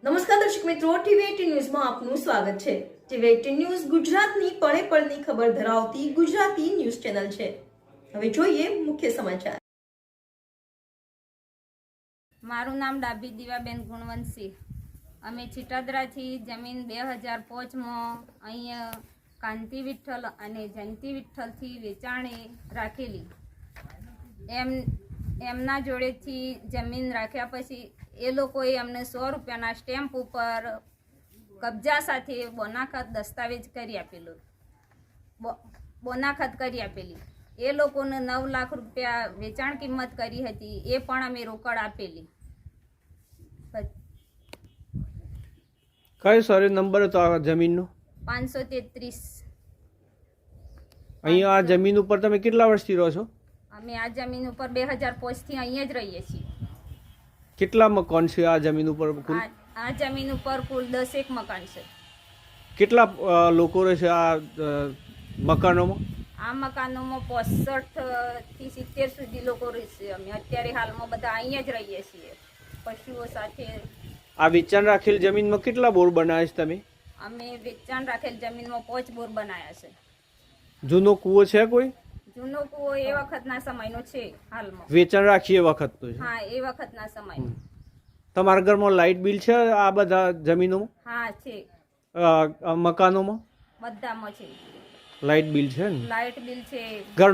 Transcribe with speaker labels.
Speaker 1: નમસ્કાર દર્શક મિત્રો, ટીવી18 ન્યૂઝમાં આપનું સ્વાગત છે। ટીવી18 ન્યૂઝ ગુજરાતની પળે પળની ખબર ધરાવતી ગુજરાતી ન્યૂઝ ચેનલ છે। હવે જોઈએ મુખ્ય સમાચાર।
Speaker 2: મારું નામ ડાભી દીવાબેન ગુણવંતસિંહ। અમે છીટાદરાથી જમીન 2005માં અહીંયા કાંતિ વિઠ્ઠલ અને જયંતિ વિઠ્ઠલથી વેચાણે રાખેલી। એમના જોડેથી જમીન રાખ્યા પછી એ લોકોએ અમને 100 રૂપિયાના સ્ટેમ્પ ઉપર કબજા સાથે બોનાખત દસ્તાવેજ કરી આપેલું બોનાખત કરી આપેલી। એ લોકોને 9 લાખ રૂપિયા વેચાણ કિંમત કરી હતી, એ પણ અમે રોકડ આપેલી।
Speaker 3: કયો સર્વે નંબર હતો આ જમીનનો?
Speaker 2: 533।
Speaker 3: અહીંયા આ જમીન ઉપર તમે કેટલા વર્ષથી રહો છો?
Speaker 2: અમે આ જમીન ઉપર 2005થી અહીંયા જ રહીએ છીએ।
Speaker 3: કેટલા મકાન છે આ જમીન ઉપર કુલ?
Speaker 2: આ જમીન ઉપર કુલ 10 મકાન છે।
Speaker 3: કેટલા લોકો રહે છે આ મકાનોમાં?
Speaker 2: આ મકાનોમાં 65 થી 70 સુધી લોકો રહેશે। અમે અત્યારે હાલમાં બધા અહીંયા જ રહીએ છીએ પશુઓ સાથે।
Speaker 3: આ વેચાણ રાખેલ જમીનમાં કેટલા બોર બનાવ્યા છે તમે?
Speaker 2: અમે વેચાણ રાખેલ જમીનમાં 5 બોર બનાવ્યા છે।
Speaker 3: જૂનો કૂવો છે કોઈ?
Speaker 2: જૂનો કૂવો એ વખતના સમયનો છે હાલમાં।
Speaker 3: વેચાણ રાખીએ વખતનો છે?
Speaker 2: હા, એ વખતના સમયનો।
Speaker 3: તમારા ઘરમાં લાઇટ બિલ છે આ બધા જમીનોમાં?
Speaker 2: હા છે,
Speaker 3: મકાનોમાં
Speaker 2: બધામાં છે।
Speaker 3: લાઇટ બિલ છે ને?
Speaker 2: લાઇટ બિલ છે,
Speaker 3: ઘર